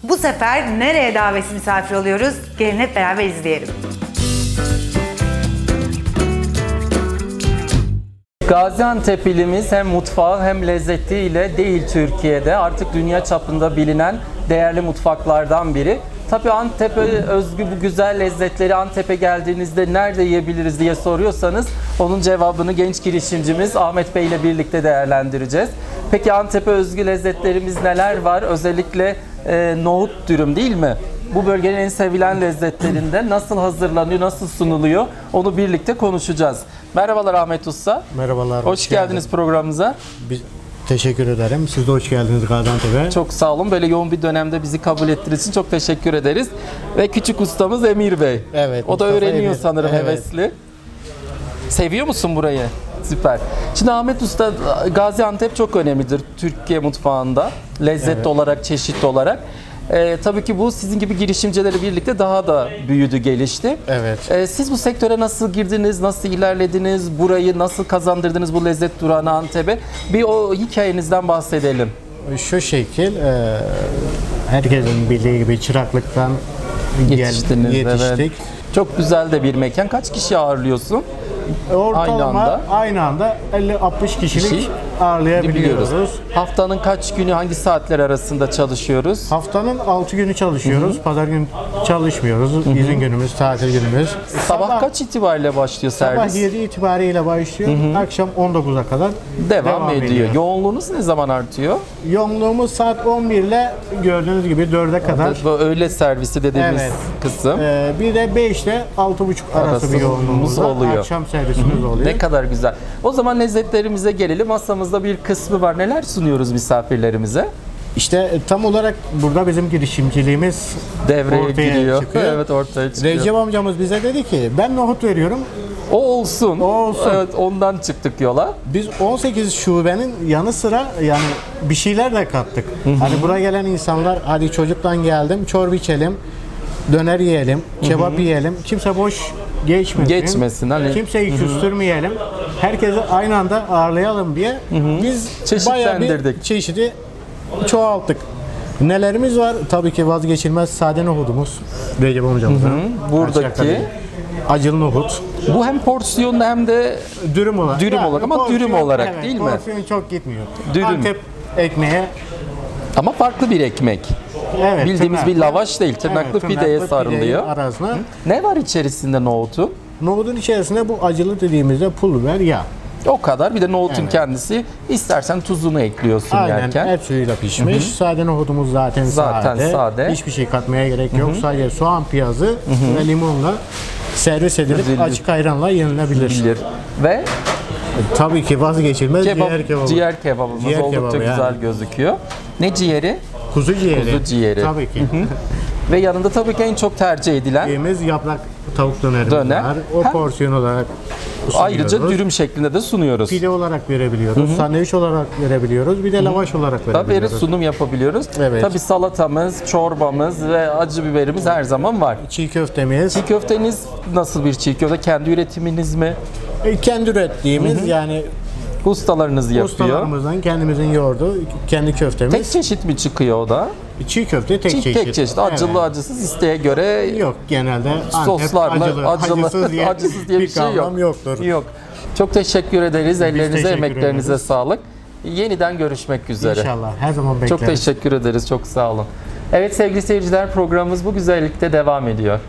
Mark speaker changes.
Speaker 1: Bu sefer nereye davetsiz misafir oluyoruz? Gelin hep beraber izleyelim.
Speaker 2: Gaziantep ilimiz hem mutfağı hem lezzetiyle değil Türkiye'de artık dünya çapında bilinen değerli mutfaklardan biri. Tabii Antep'e özgü bu güzel lezzetleri Antep'e geldiğinizde nerede yiyebiliriz diye soruyorsanız onun cevabını genç girişimcimiz Ahmet Bey ile birlikte değerlendireceğiz. Peki Antep'e özgü lezzetlerimiz neler var? Özellikle nohut dürüm değil mi? Bu bölgenin en sevilen lezzetlerinde nasıl hazırlanıyor, nasıl sunuluyor onu birlikte konuşacağız. Merhabalar Ahmet Usta.
Speaker 3: Merhabalar.
Speaker 2: Hoş geldiniz programımıza.
Speaker 3: Teşekkür ederim. Siz de hoş geldiniz Gaziantep'e.
Speaker 2: Çok sağ olun. Böyle yoğun bir dönemde bizi kabul ettiğiniz için çok teşekkür ederiz. Ve küçük ustamız Emir Bey.
Speaker 3: Evet.
Speaker 2: O da
Speaker 3: Mustafa
Speaker 2: öğreniyor
Speaker 3: Emir.
Speaker 2: sanırım
Speaker 3: Evet.
Speaker 2: hevesli. Seviyor musun burayı? Süper. Şimdi Ahmet Usta, Gaziantep çok önemlidir Türkiye mutfağında. Lezzet olarak, çeşit olarak. Tabii ki bu sizin gibi girişimcilerle birlikte daha da büyüdü, gelişti.
Speaker 3: Evet.
Speaker 2: Siz bu sektöre nasıl girdiniz, nasıl ilerlediniz, burayı nasıl kazandırdınız bu lezzet durağını Antep'e? Bir o hikayenizden bahsedelim.
Speaker 3: Şu şekil, herkesin bildiği gibi çıraklıktan
Speaker 2: Yetiştiniz,
Speaker 3: yetiştik.
Speaker 2: evet. Çok güzel de bir mekan. Kaç kişi ağırlıyorsun?
Speaker 3: Ortalama aynı anda 50-60 kişilik ağırlayabiliyoruz.
Speaker 2: Haftanın kaç günü, hangi saatler arasında çalışıyoruz?
Speaker 3: Haftanın 6 günü çalışıyoruz. Pazar günü çalışmıyoruz. İzin günümüz, tatil günümüz.
Speaker 2: Sabah kaç itibariyle başlıyor servis?
Speaker 3: Sabah 7 itibariyle başlıyor. Akşam 19'a kadar
Speaker 2: Devam ediyor. Yoğunluğunuz ne zaman artıyor?
Speaker 3: Yoğunluğumuz saat 11 ile gördüğünüz gibi 4'e kadar.
Speaker 2: Bu öğle servisi dediğimiz
Speaker 3: Evet.
Speaker 2: kısım.
Speaker 3: Bir de 5 ile 6.30 arası bir yoğunluğumuz
Speaker 2: oluyor.
Speaker 3: Akşam servisimiz oluyor.
Speaker 2: Ne kadar güzel. O zaman lezzetlerimize gelelim. Masamızda bir kısmı var. Neler sunuyoruz misafirlerimize?
Speaker 3: İşte tam olarak burada bizim girişimciliğimiz
Speaker 2: Devreye
Speaker 3: ortaya
Speaker 2: giriyor.
Speaker 3: çıkıyor.
Speaker 2: Evet, ortaya çıkıyor.
Speaker 3: Recep amcamız bize dedi ki ben nohut veriyorum.
Speaker 2: O olsun.
Speaker 3: O olsun.
Speaker 2: Evet, ondan çıktık yola.
Speaker 3: Biz 18 şubenin yanı sıra yani bir şeyler de kattık. Hani buraya gelen insanlar hadi çocuktan geldim çorba içelim, döner yiyelim, kebap yiyelim. Kimse boş geçmesin.
Speaker 2: Hani.
Speaker 3: Kimseyi küstürmeyelim. Herkesi aynı anda ağırlayalım diye biz bayağı bir
Speaker 2: Çeşitlendirdik.
Speaker 3: çeşidi çoğalttık. Nelerimiz var? Tabii ki vazgeçilmez sade nohudumuz. Recep amcamızın.
Speaker 2: Buradaki
Speaker 3: acılı nohut.
Speaker 2: bu hem porsiyonlu hem de
Speaker 3: Dürüm olarak.
Speaker 2: Dürüm olarak ama dürüm olarak
Speaker 3: evet,
Speaker 2: değil mi?
Speaker 3: Porsiyon çok gitmiyor.
Speaker 2: Dürüm.
Speaker 3: Antep ekmeğe
Speaker 2: ama farklı bir ekmek.
Speaker 3: evet,
Speaker 2: Bildiğimiz bir lavaş değil, tırnaklı
Speaker 3: evet,
Speaker 2: pideye
Speaker 3: tırnaklı
Speaker 2: sarılıyor.
Speaker 3: pideyi arasına.
Speaker 2: Ne var içerisinde nohutun?
Speaker 3: Nohudun içerisinde bu acılı dediğimizde pul biber, yağ.
Speaker 2: O kadar. Bir de nohutun
Speaker 3: Evet.
Speaker 2: kendisi. İstersen tuzunu ekliyorsun
Speaker 3: Aynen
Speaker 2: yerken.
Speaker 3: et suyuyla pişmiş. Sade nohudumuz zaten sade. Hiçbir şey katmaya gerek yok. Sadece soğan, piyazı ve limonla servis edilip
Speaker 2: Üzülür.
Speaker 3: açık ayranla yenilebilir.
Speaker 2: Bilir. Ve
Speaker 3: Tabii ki vazgeçilmez
Speaker 2: kebap,
Speaker 3: ciğer kebabı.
Speaker 2: ciğer kebabımız
Speaker 3: Ciğer
Speaker 2: oldukça
Speaker 3: kebabı
Speaker 2: güzel
Speaker 3: yani.
Speaker 2: gözüküyor. Ne ciğeri?
Speaker 3: Kuzu ciğeri.
Speaker 2: Kuzu ciğeri.
Speaker 3: Tabii ki.
Speaker 2: Ve yanında tabii ki en çok tercih edilen
Speaker 3: Yediğimiz yaprak tavuk dönerimiz
Speaker 2: Döner.
Speaker 3: var. O
Speaker 2: Hem-
Speaker 3: porsiyon olarak
Speaker 2: ayrıca
Speaker 3: sunuyoruz.
Speaker 2: dürüm şeklinde de sunuyoruz.
Speaker 3: Pide olarak verebiliyoruz, sandviç olarak verebiliyoruz, bir de lavaş olarak
Speaker 2: Tabii
Speaker 3: verebiliyoruz.
Speaker 2: sunum yapabiliyoruz.
Speaker 3: Evet.
Speaker 2: Tabii salatamız, çorbamız ve acı biberimiz her zaman var.
Speaker 3: Çiğ köftemiz,
Speaker 2: Çiğ köfteniz nasıl bir çiğ köfte? Kendi üretiminiz mi?
Speaker 3: kendi ürettiğimiz yani
Speaker 2: Ustalarınız yapıyor.
Speaker 3: ustalarımızdan kendimizin yoğurdu, kendi köftemiz.
Speaker 2: Tek çeşit mi çıkıyor o da?
Speaker 3: Çiğ köfte tek çeşit.
Speaker 2: Tek çeşit. Acılı
Speaker 3: Evet.
Speaker 2: acısız isteğe göre
Speaker 3: Yok genelde Antep
Speaker 2: soslarla
Speaker 3: acılı,
Speaker 2: acısız diye bir şey
Speaker 3: kavram
Speaker 2: yok.
Speaker 3: yoktur.
Speaker 2: Yok. Çok teşekkür ederiz. Ellerinize,
Speaker 3: teşekkür
Speaker 2: emeklerinize
Speaker 3: ederiz.
Speaker 2: sağlık. Yeniden görüşmek üzere.
Speaker 3: İnşallah her zaman bekleriz.
Speaker 2: Çok teşekkür ederiz. Çok sağ olun. Evet sevgili seyirciler, programımız bu güzellikte devam ediyor.